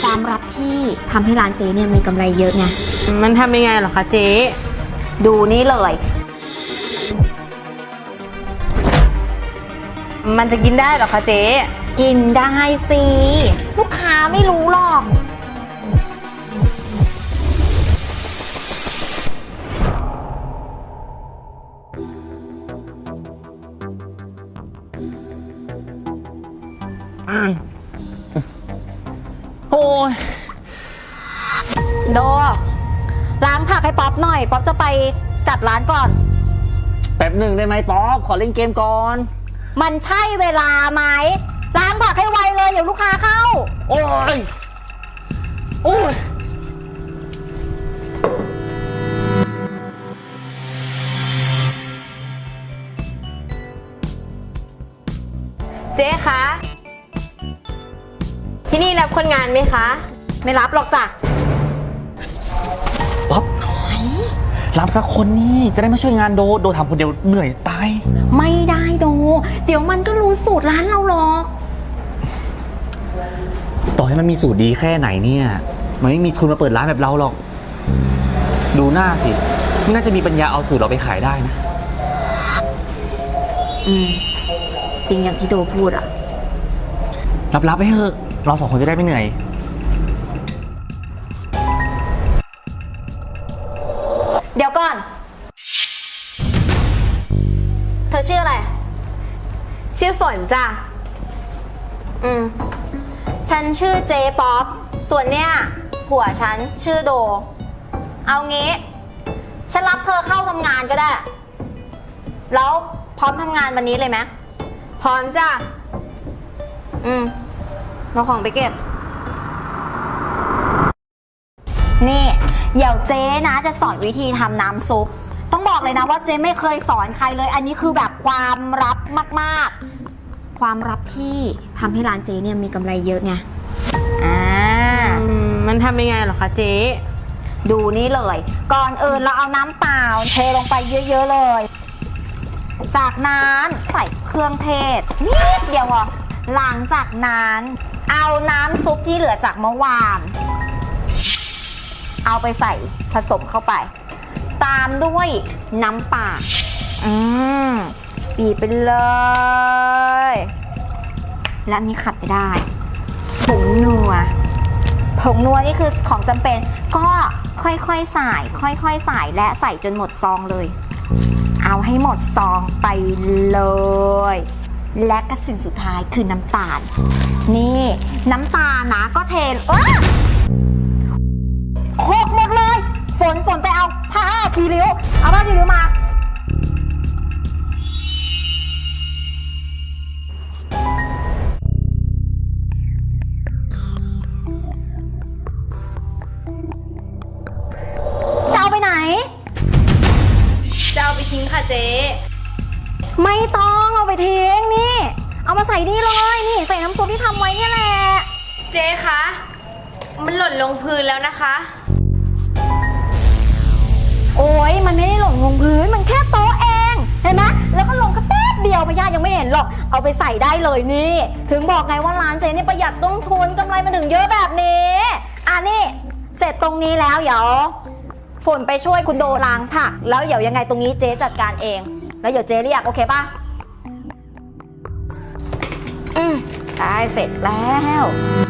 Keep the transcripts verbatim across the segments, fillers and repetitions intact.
ความลับที่ทำให้ร้านเจ๊เนี่ยมีกำไรเยอะไงมันทำยังไงเหรอคะเจ๊ดูนี่เลยมันจะกินได้เหรอคะเจ๊กินได้สิลูกค้าไม่รู้หรอกโอ้ยโดล้างผักให้ป๊อปหน่อยป๊อปจะไปจัดร้านก่อนแป๊บหนึ่งได้ไหมป๊อปขอเล่นเกมก่อนมันใช่เวลาไหมล้างผักให้ไวเลยเดี๋ยวลูกค้าเข้าโอ้ยโอ้ยเจ๊คะที่นี่รับคนงานไหมคะไม่รับหรอกจ้ะป๊อปรับสักคนนี่จะได้มาช่วยงานโดโดทำคนเดียวเหนื่อยตายไม่ได้โดเดี๋ยวมันก็รู้สูตรร้านเราหรอกต่อให้มันมีสูตรดีแค่ไหนเนี่ยมันไม่มีทุนมาเปิดร้านแบบเราหรอกดูหน้าสิไม่น่าจะมีปัญญาเอาสูตรเราไปขายได้นะอืมจริงอย่างที่โดพูดอะรับๆไปเถอะเราสองคนจะได้ไม่เหนื่อยเดี๋ยวก่อนเธอชื่ออะไรชื่อฝนจ้ะอืมฉันชื่อเจ๊ป๊อปส่วนเนี้ยผัวฉันชื่อโดเอางี้ฉันรับเธอเข้าทำงานก็ได้แล้วพร้อมทำงานวันนี้เลยไหมพร้อมจ้ะอืมเอาของไปเก็บนี่เดี๋ยวเจ๊นะจะสอนวิธีทำน้ำซุปต้องบอกเลยนะว่าเจ๊ไม่เคยสอนใครเลยอันนี้คือแบบความลับมากๆความลับที่ทำให้ร้านเจ๊เนี่ยมีกำไรเยอะไงอ่ามันทำยังไงเหรอคะเจ๊ดูนี่เลยก่อนอื่นเราเอาน้ำเปล่าเทลงไปเยอะๆเลยจากนั้นใส่เครื่องเทศนิดเดียวอ่ะหลังจากนั้นเอาน้ำซุปที่เหลือจากเมื่อวานเอาไปใส่ผสมเข้าไปตามด้วยน้ำปลาอืมบีบไปเลยและมีขัดไปได้ผงนัวผงนัวนี่คือของจำเป็นก็ค่อยๆใส่ค่อยๆใส่และใส่จนหมดซองเลยเอาให้หมดซองไปเลยและก็สิ่งสุดท้ายคือน้ำตาลนี่น้ำตาลนะก็เทเออโคกหมดเลยฝนฝนไปเอาผ้าคีริ้วเอาผ้าคีริ้วมาจะเอาไปไหนจะเอาไปทิ้งค่ะเจ๊ไม่ต้องเอาไปทิ้งนี่เอามาใส่นี่เลยนี่ใส่น้ำซุปที่ทำไว้เนี่ยแหละเจ๊คะมันหล่นลงพื้นแล้วนะคะโอ้ยมันไม่ได้หล่นลงพื้นมันแค่โต๊ะเองเห็นไหมแล้วก็ลงกระแป๊บเดียวพญายังไม่เห็นหรอกเอาไปใส่ได้เลยนี่ถึงบอกไงว่าร้านเจ๊นี่ประหยัดต้นทุนกำไรมันถึงเยอะแบบนี้อ่ะนี่เสร็จตรงนี้แล้วเดี๋ยวฝนไปช่วยคุณโดล้างผักแล้วเดี๋ยวยังไงตรงนี้เจ๊จัดการเองแล้วเดี๋ยวเจ๊เรียกโอเคป่ะอืมได้เสร็จแล้ว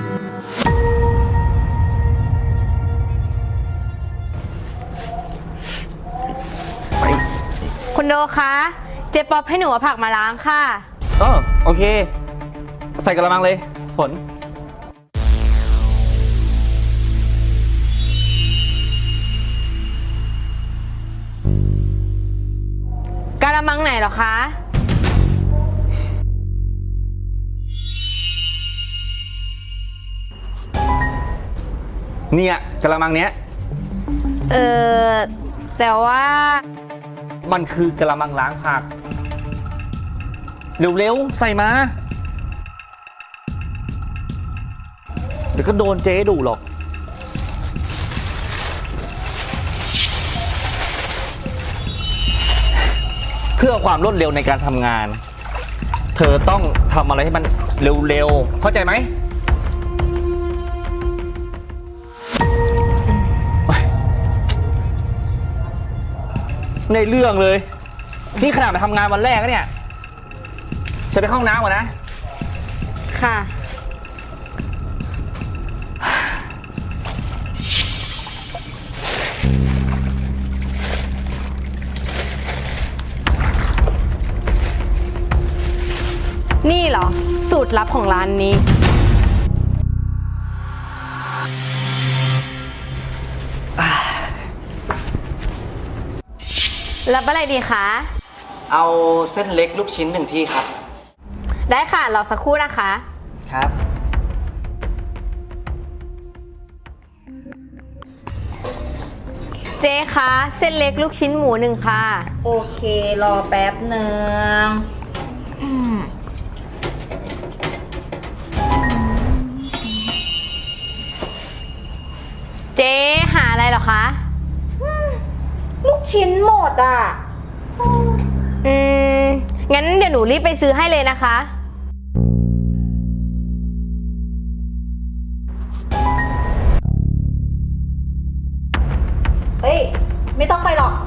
คุณโดคะเจ๊ป๊อปให้หนูเอาผักมาล้างค่ะเออโอเคใส่กระมังเลยฝนกะละมังไหนเหรอคะเนี่ยกระมังเนี้ยเออแต่ว่ามันคือกระมังล้างผักเร็วๆใส่มาเดี๋ยวก็โดนเจ๊ดุหรอกเพื่อความรวดเร็วในการทำงานเธอต้องทำอะไรให้มันเร็วๆเข้าใจไหมไม่ได้เรื่องเลย นี่ขนาดมาทำงานวันแรกแล้วเนี่ยฉันไปเข้าห้องน้ำก่อนนะค่ะ นี่เหรอ สูตรลับของร้านนี้ รับอะไรดีคะเอาเส้นเล็กลูกชิ้นหนึ่งที่ครับได้ค่ะ รอสักครู่นะคะครับเจ๊คะ เส้นเล็กลูกชิ้นหมูหนึ่งค่ะโอเค รอแป๊บหนึ่งอืมเจ๊หาอะไรเหรอคะลูกชิ้นหมดอ่ะอืม งั้นเดี๋ยวหนูรีบไปซื้อให้เลยนะคะเฮ้ย ไม่ต้องไปหรอก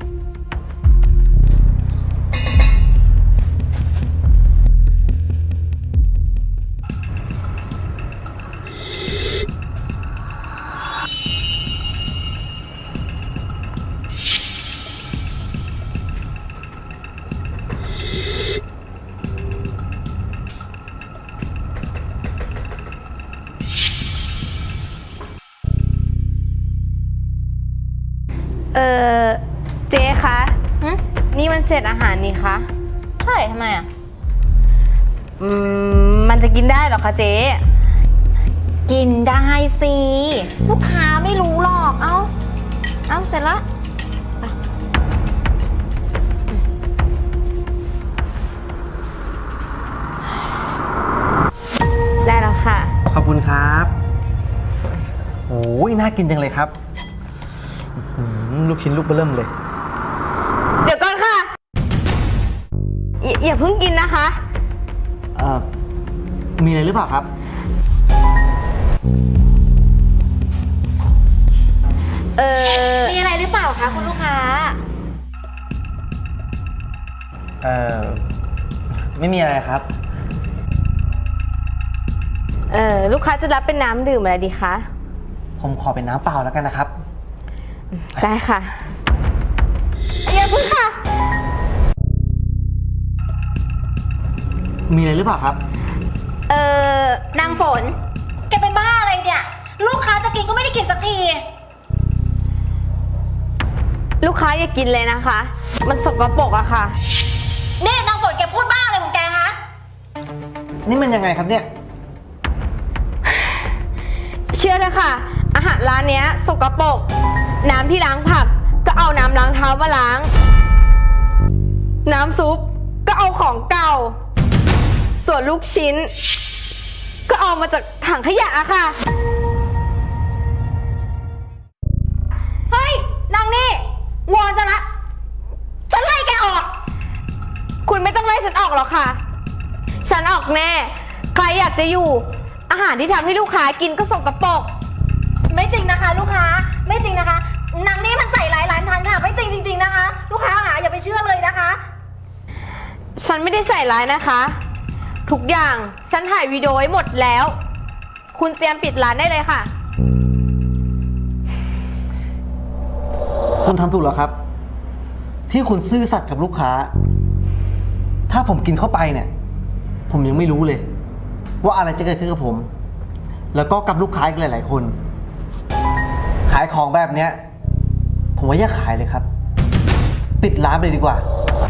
เออเจ๊คะหึนี่มันเศษอาหารนี่คะใช่ทำไมอ่ะอืม มันจะกินได้เหรอคะเจ๊กินได้สิ ลูกค้าไม่รู้หรอก เอาเอาเสร็จละได้แล้วค่ะขอบคุณครับโอ้ยน่ากินจังเลยครับอื้อหือลูกชิ้นลูกเบิ่มเลยเดี๋ยวก่อนค่ะอย่าอย่าเพิ่งกินนะคะเอ่อ มีอะไรหรือเปล่าครับเออมีอะไรหรือเปล่าคะคุณลูกค้าเอ่อ ไม่มีอะไรครับเออลูกค้าจะรับเป็นน้ำดื่มอะไรดีคะผมขอเป็นน้ำเปล่าแล้วกันนะครับได้ค่ะอย่าเพิ่งค่ะมีอะไรหรือเปล่าครับเออนางฝน แกเป็นบ้าอะไรเนี่ย ลูกค้าจะกินก็ไม่ได้กินสักทีลูกค้าอย่ากินเลยนะคะ มันสกปรกอะค่ะนี่นางฝนแกพูดบ้าอะไรของแกฮะนี่มันยังไงครับเนี่ยเชื่อเถอะค่ะ อาหารร้านเนี้ยสกปรกน้ำที่ล้างผักก็เอาน้ำล้างเท้ามาล้าง น้ำซุปก็เอาของเก่า ส่วนลูกชิ้น ก็เอามาจากถังขยะอะค่ะเฮ้ย นางนี่วอนจะละฉันไล่แกออกคุณไม่ต้องไล่ฉันออกหรอกค่ะ ฉันออกแน่ ใครอยากจะอยู่ อาหารที่ทำให้ลูกค้ากินก็สกปรกไม่จริงนะคะ ลูกค้า ไม่จริงนะคะ นางนี่มันใส่ร้ายร้านฉันค่ะ ไม่จริงจริงๆนะคะ ลูกค้าหาอย่าไปเชื่อเลยนะคะฉันไม่ได้ใส่ร้ายนะคะ ทุกอย่างฉันถ่ายวิดีโอไว้หมดแล้ว คุณเตรียมปิดร้านได้เลยค่ะคุณทำถูกแล้วครับ ที่คุณซื่อสัตย์กับลูกค้า ถ้าผมกินเข้าไปเนี่ย ผมยังไม่รู้เลย ว่าอะไรจะเกิดขึ้นกับผม แล้วก็กับลูกค้าอีกหลาย ๆ คน ขายของแบบเนี้ย ผมว่าอย่าขายเลยครับ ปิดร้านไปเลยดีกว่า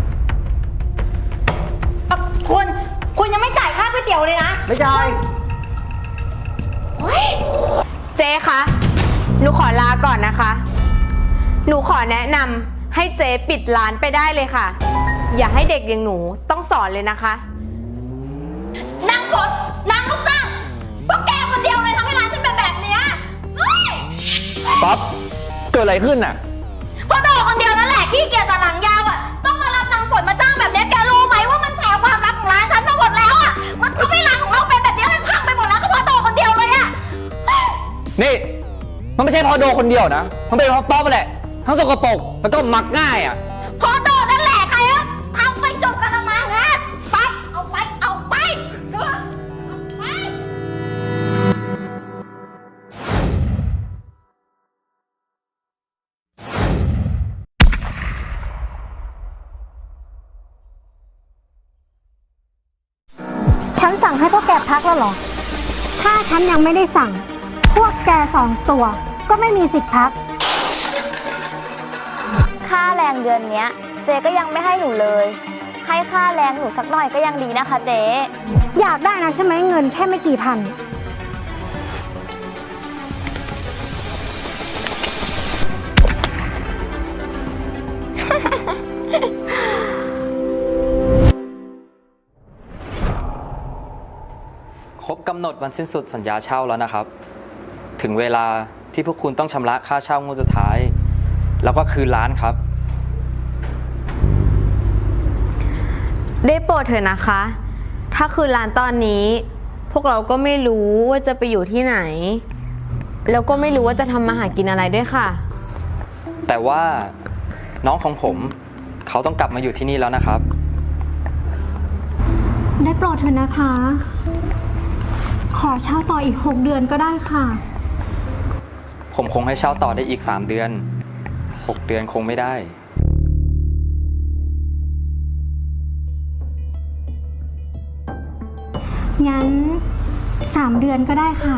คุณ คุณยังไม่จ่ายค่าก๋วยเตี๋ยวเลยนะไม่จ่ายเฮ้ยเจ๊คะ หนูขอลาก่อนนะคะ หนูขอแนะนำให้เจ๊ปิดร้านไปได้เลยค่ะ อย่าให้เด็กอย่างหนูต้องสอนเลยนะคะนางฝนนางลูกจ้างพวกแกคนเดียวเลยทำให้ร้านฉันเป็นแบบเนี้ยเฮ้ยป๊อป เกิดอะไรขึ้นอ่ะเพราะตัวคนเดียวนั่นแหละขี้เกียจสันหลังยาวอ่ะ ต้องมารับนางฝนมาจ้างแบบเนี้ยแกรู้ไหมว่ามันแฉความลับของร้านฉันมาหมดแล้วอ่ะ มันทำให้ร้านของเราเป็นแบบเนี้ยมันพังไปหมดแล้วก็เพราะตัวคนเดียวเลยอ่ะนี่ มันไม่ใช่เพราะโดคนเดียวนะ มันเป็นเพราะป๊อปแหละ ทั้งสกปรกแล้วก็มักง่ายอ่ะแล้วเหรอ ถ้าฉันยังไม่ได้สั่ง พวกแกสองตัวก็ไม่มีสิทธิ์พักค่าแรงเดือนเนี้ย เจ๊ก็ยังไม่ให้หนูเลย ให้ค่าแรงหนูสักหน่อยก็ยังดีนะคะเจ๊อยากได้นะใช่ไหมเงินแค่ไม่กี่พันครบกำหนดวันสิ้นสุดสัญญาเช่าแล้วนะครับ ถึงเวลาที่พวกคุณต้องชำระค่าเช่างวดสุดท้าย แล้วก็คืนร้านครับได้โปรดเถอะนะคะ ถ้าคืนร้านตอนนี้ พวกเราก็ไม่รู้ว่าจะไปอยู่ที่ไหน แล้วก็ไม่รู้ว่าจะทำมาหากินอะไรด้วยค่ะแต่ว่าน้องของผมเขาต้องกลับมาอยู่ที่นี่แล้วนะครับได้โปรดเถอะนะคะ ขอเช่าต่ออีกหกเดือนก็ได้ค่ะผมคงให้เช่าต่อได้อีกสามเดือนหกเดือนคงไม่ได้งั้นสามเดือนก็ได้ค่ะ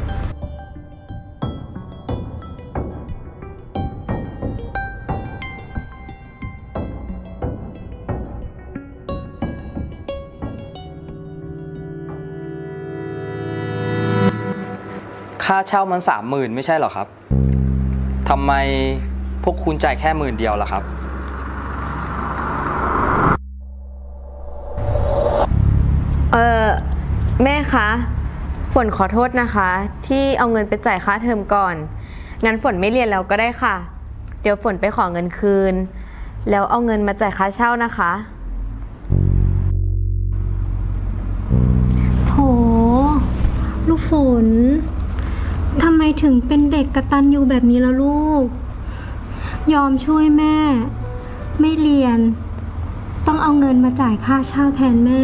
ค่าเช่ามันสามหมื่นไม่ใช่เหรอครับทำไมพวกคุณจ่ายแค่หมื่นเดียวล่ะครับเออแม่คะ ฝนขอโทษนะคะ ที่เอาเงินไปจ่ายค่าเทอมก่อน งั้นฝนไม่เรียนแล้วก็ได้ค่ะ เดี๋ยวฝนไปขอเงินคืน แล้วเอาเงินมาจ่ายค่าเช่านะคะโถ ลูกฝน ทำไมถึงเป็นเด็กกตัญญูแบบนี้ล่ะลูก ยอมช่วยแม่ ไม่เรียน ต้องเอาเงินมาจ่ายค่าเช่าแทนแม่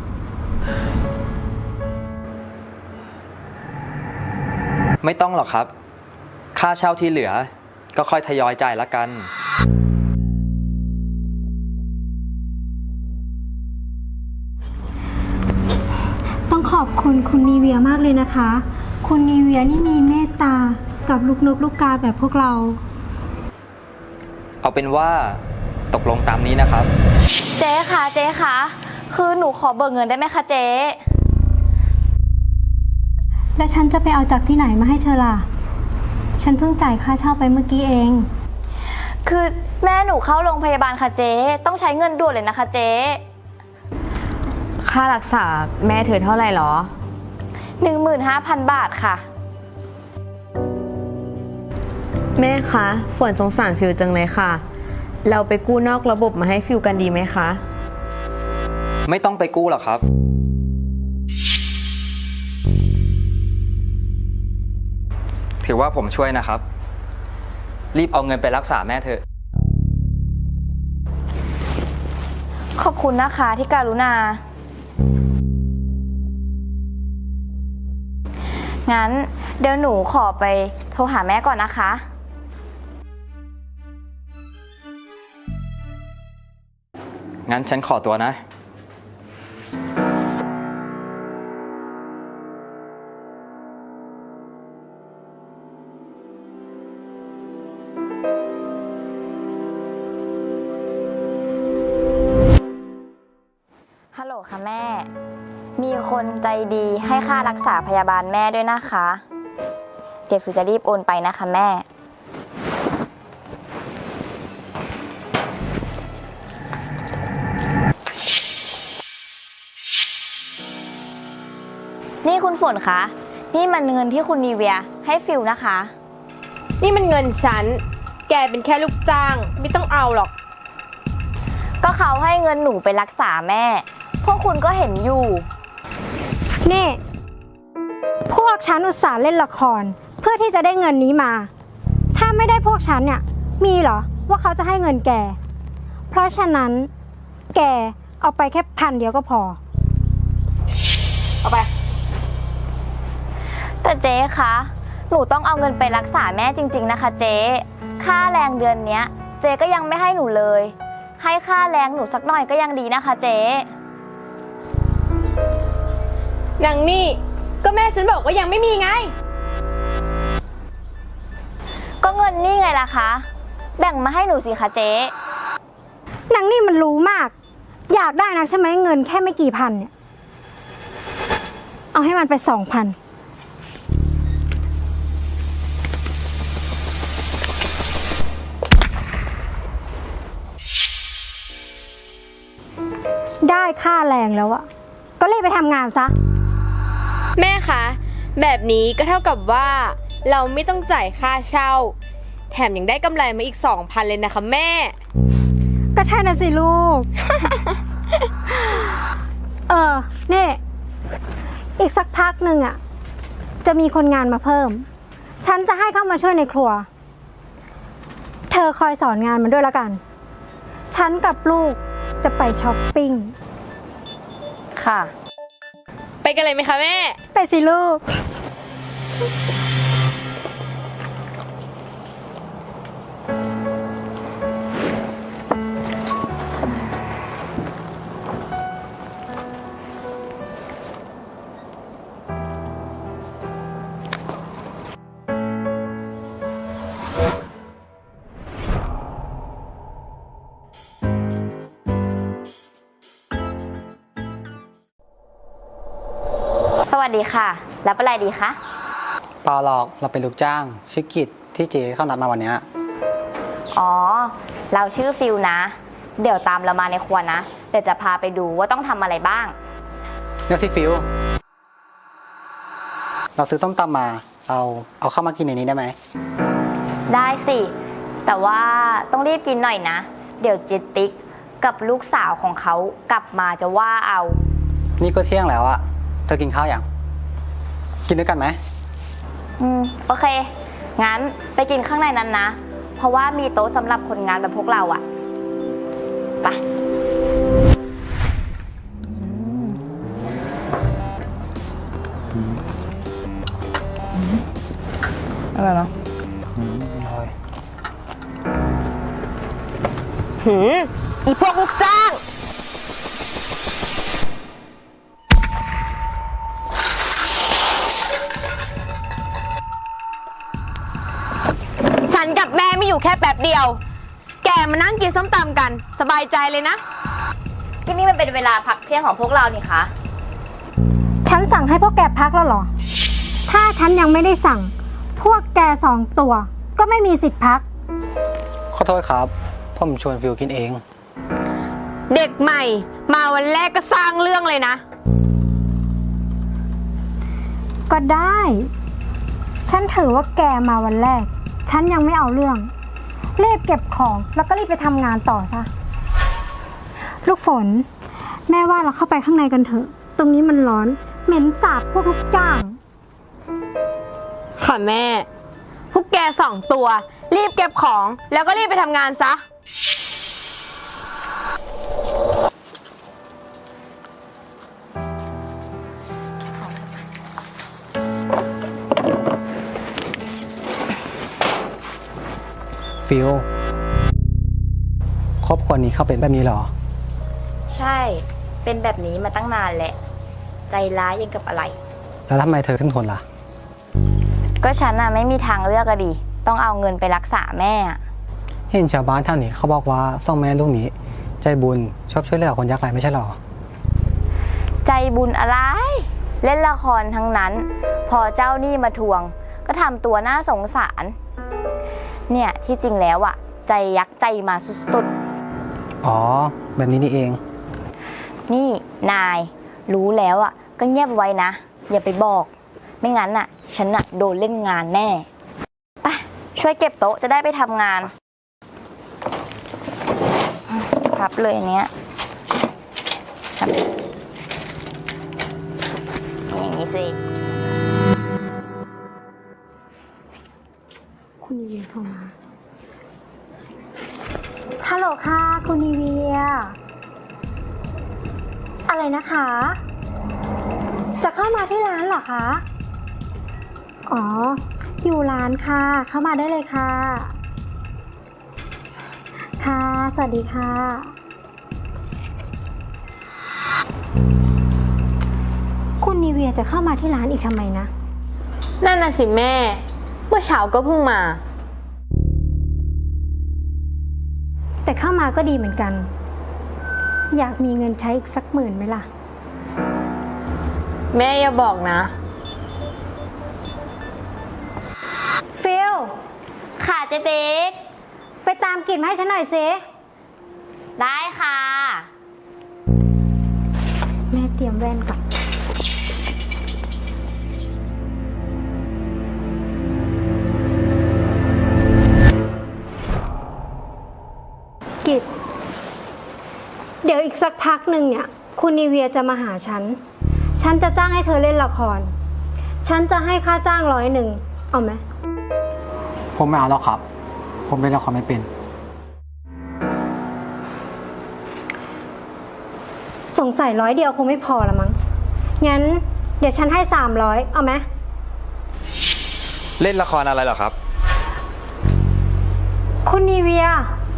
ไม่ต้องหรอกครับ ค่าเช่าที่เหลือก็ค่อยทยอยจ่ายละกันต้องขอบคุณคุณนีเวียมากเลยนะคะ คุณนีเวียนี่มีเมตตากับลูกนกลูกกาแบบพวกเราเอาเป็นว่าตกลงตามนี้นะครับเจ๊คะเจ๊คะคือหนูขอเบิกเงินได้ไหมคะเจ๊แล้วฉันจะไปเอาจากที่ไหนมาให้เธอล่ะ ฉันเพิ่งจ่ายค่าเช่าไปเมื่อกี้เองคือแม่หนูเข้าโรงพยาบาลค่ะเจ๊ต้องใช้เงินด่วนเลยนะคะเจ๊ค่ารักษาแม่เธอเท่าไหร่หรอหนึ่งหมื่นห้าพันบาทค่ะแม่คะ ฝนสงสารฟิวจังเลยค่ะ เราไปกู้นอกระบบมาให้ฟิวกันดีไหมคะไม่ต้องไปกู้หรอกครับ ถือว่าผมช่วยนะครับ รีบเอาเงินไปรักษาแม่เถอะขอบคุณนะคะที่การุณา งั้นเดี๋ยวหนูขอไปโทรหาแม่ก่อนนะคะงั้นฉันขอตัวนะฮัลโหลค่ะแม่ มีคนใจดีให้ค่ารักษาพยาบาลแม่ด้วยนะคะ เดี๋ยวฟิวจะรีบโอนไปนะคะแม่ นี่คุณฝนคะ นี่มันเงินที่คุณนีเวียให้ฟิวนะคะนี่มันเงินฉัน แกเป็นแค่ลูกจ้าง ไม่ต้องเอาหรอกก็เขาให้เงินหนูไปรักษาแม่ พวกคุณก็เห็นอยู่นี่ พวกฉันอุตส่าห์เล่นละคร เพื่อที่จะได้เงินนี้มา ถ้าไม่ได้พวกฉันเนี่ย มีเหรอว่าเขาจะให้เงินแก เพราะฉะนั้น แกเอาไปแค่พันเดียวก็พอเอาไปแต่เจ๊คะ หนูต้องเอาเงินไปรักษาแม่จริงๆนะคะเจ๊ ค่าแรงเดือนเนี้ย เจ๊ก็ยังไม่ให้หนูเลย ให้ค่าแรงหนูสักหน่อยก็ยังดีนะคะเจ๊นางนี่ก็แม่ฉันบอกว่ายังไม่มีไงก็เงินนี่ไงล่ะคะ แบ่งมาให้หนูสิคะเจ๊นางนี่มันรู้มาก อยากได้นะใช่ไหมเงินแค่ไม่กี่พันเนี่ย เอาให้มันไปสองพัน ได้ค่าแรงแล้วอะก็รีบไปทำงานซะแม่คะ แบบนี้ก็เท่ากับว่าเราไม่ต้องจ่ายค่าเช่า แถมยังได้กำไรมาอีกสองพันเลยนะคะแม่ก็ใช่นะสิลูก เออนี่อีกสักพักหนึ่งอะจะมีคนงานมาเพิ่ม ฉันจะให้เข้ามาช่วยในครัว เธอคอยสอนงานมันด้วยละกัน ฉันกับลูกจะไปช้อปปิ้งค่ะไปกันเลยไหมคะแม่ไปสิลูกสวัสดีค่ะ รับอะไรดีคะเปล่าหรอกเราเป็นลูกจ้างชื่อกิจที่เจ๊เข้านัดมาวันเนี้ยอ๋อ เราชื่อฟิลนะ เดี๋ยวตามเรามาในครัวนะ เดี๋ยวจะพาไปดูว่าต้องทำอะไรบ้างเรียกสิฟิวเราซื้อส้มตำมาเราเอาเข้ามากินในนี้ได้ไหมได้สิ แต่ว่าต้องรีบกินหน่อยนะ เดี๋ยวจิตติ๊กกับลูกสาวของเขากลับมาจะว่าเอานี่ก็เที่ยงแล้วอะเธอกินข้าวยังกินด้วยกันไหมอืม โอเค งั้นไปกินข้างในนั้นนะ เพราะว่ามีโต๊ะสำหรับคนงานแบบพวกเราอะไป อะไรเนาะหืม อีพวกลูกจ้าง ฉันกับแม่ไม่อยู่แค่แป๊บเดียว แกมานั่งกินส้มตำกัน สบายใจเลยนะก็นี่มันเป็นเวลาพักเที่ยงของพวกเรานี่คะฉันสั่งให้พวกแกพักแล้วเหรอ ถ้าฉันยังไม่ได้สั่ง พวกแกสองตัว ก็ไม่มีสิทธิ์พักขอโทษครับผมชวนฟิวกินเองเด็กใหม่ มาวันแรกก็สร้างเรื่องเลยนะก็ได้ ฉันถือว่าแกมาวันแรก ฉันยังไม่เอาเรื่อง รีบเก็บของแล้วก็รีบไปทำงานต่อซะ ลูกฝน แม่ว่าเราเข้าไปข้างในกันเถอะ ตรงนี้มันร้อน เหม็นสาบพวกลูกจ้างค่ะแม่ พวกแกสองตัว รีบเก็บของแล้วก็รีบไปทำงานซะฟิวครอบครัวนี้เขาเป็นแบบนี้เหรอใช่ เป็นแบบนี้มาตั้งนานแหละ ใจร้ายยังกับอะไรแล้วทำไมเธอถึงทนล่ะก็ฉันน่ะไม่มีทางเลือกอะดิ ต้องเอาเงินไปรักษาแม่อะเห็นชาวบ้านแถวนี้เขาบอกว่าสองแม่ลูกนี้ ใจบุญชอบช่วยเหลือคนยากไร้ไม่ใช่เหรอใจบุญอะไร เล่นละครทั้งนั้น พอเจ้าหนี้มาทวง ก็ทำตัวน่าสงสาร เนี่ยที่จริงแล้วอะใจยักษ์ใจมาสุดอ๋อ แบบนี้นี่เองๆ นี่นาย รู้แล้วอะก็เงียบไว้นะ อย่าไปบอก ไม่งั้นน่ะ ฉันน่ะโดนเล่นงานแน่ ไป ช่วยเก็บโต๊ะจะได้ไปทำงานพับเลยอันเนี้ยครับอย่างนี้สิคุณนีเวียโทรมา ฮัลโหลค่ะ คุณนีเวีย อะไรนะคะ จะเข้ามาที่ร้านเหรอคะ อ๋อ อยู่ร้านค่ะ เข้ามาได้เลยค่ะ ค่ะ สวัสดีค่ะ คุณนีเวียจะเข้ามาที่ร้านอีกทำไมนะนั่นน่ะสิแม่ เมื่อเช้าก็เพิ่งมาแต่เข้ามาก็ดีเหมือนกัน อยากมีเงินใช้อีกสักหมื่นไหมล่ะแม่อย่าบอกนะฟิลค่ะเจ๊ติ๊กไปตามกลิ่นมาให้ฉันหน่อยสิได้ค่ะแม่เตรียมแว่นก่อนกิจเดี๋ยวอีกสักพักหนึ่งเนี่ย คุณนีเวียจะมาหาฉัน ฉันจะจ้างให้เธอเล่นละคร ฉันจะให้ค่าจ้างร้อยหนึ่ง เอาไหมผมไม่เอาแล้วครับ ผมเล่นละครไม่เป็นสงสัยร้อยเดียวคงไม่พอละมั้ง งั้นเดี๋ยวฉันให้สามร้อยเอาไหมเล่นละครอะไรเหรอครับคุณนีเวีย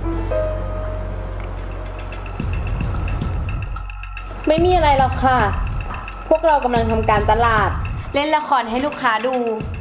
ไม่มีอะไรหรอกค่ะ พวกเรากำลังทำการตลาด เล่นละครให้ลูกค้าดู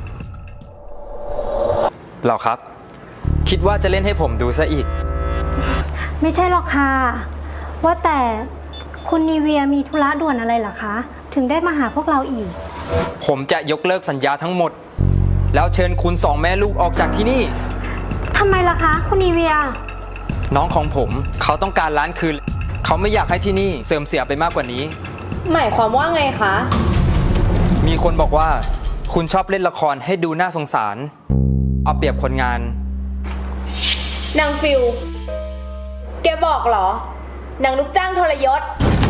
เหรอครับ คิดว่าจะเล่นให้ผมดูซะอีกไม่ใช่หรอกค่ะ ว่าแต่คุณนีเวียมีธุระด่วนอะไรเหรอคะ ถึงได้มาหาพวกเราอีกผมจะยกเลิกสัญญาทั้งหมด แล้วเชิญคุณสองแม่ลูกออกจากที่นี่ทำไมล่ะคะ คุณนีเวียน้องของผมเขาต้องการร้านคืน เขาไม่อยากให้ที่นี่เสื่อมเสียไปมากกว่านี้หมายความว่าไงคะมีคนบอกว่าคุณชอบเล่นละครให้ดูน่าสงสาร เอาเปรียบคนงานนางฟิล แกบอกเหรอ นางลูกจ้างทรยศ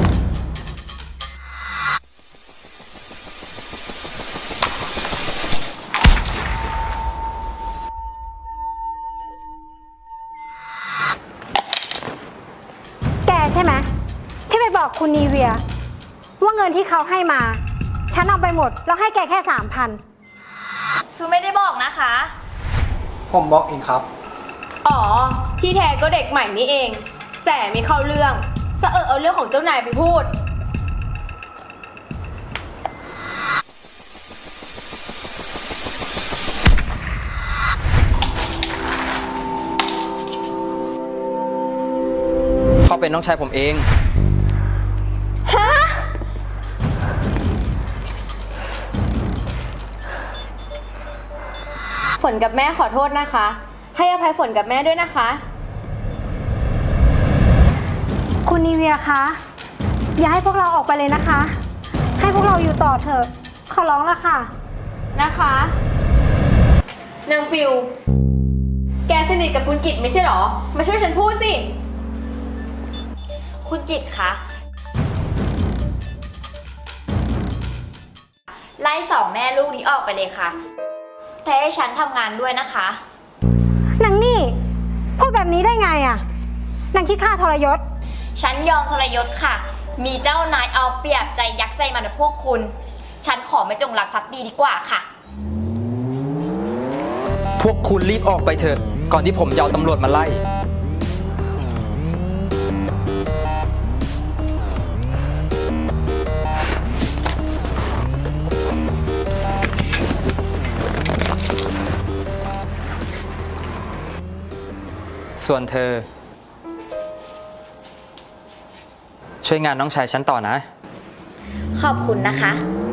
แกใช่ไหมที่ไปบอกคุณนีเวีย ว่าเงินที่เขาให้มา ฉันเอาไปหมด แล้วให้แกแค่สามพันคือไม่ได้บอกนะคะผมบอกเองครับอ๋อ ที่แท้ก็เด็กใหม่นี่เอง แสไม่เข้าเรื่องสะเออเอาเรื่องของเจ้านายไปพูดเขาเป็นน้องชายผมเองฮะ ฝนกับแม่ขอโทษนะคะ ให้อภัยฝนกับแม่ด้วยนะคะคุณนีเวียคะ อย่าให้พวกเราออกไปเลยนะคะ ให้พวกเราอยู่ต่อเถอะ ขอร้องละค่ะนะคะ นางฟิล แกสนิทกับคุณกิตไม่ใช่เหรอ มาช่วยฉันพูดสิคุณกิตคะ ไล่สองแม่ลูกนี้ออกไปเลยค่ะ แต่ให้ฉันทำงานด้วยนะคะนางนี่ พูดแบบนี้ได้ไงอะนางคิดค่าทรยศฉันยอมทรยศค่ะ มีเจ้านายเอาเปรียบใจยักษ์ใจมันพวกคุณ ฉันขอไม่จงรักภักดีดีกว่าค่ะพวกคุณรีบออกไปเถอะ ก่อนที่ผมจะเอาตำรวจมาไล่ ส่วนเธอ ช่วยงานน้องชายฉันต่อนะขอบคุณนะคะ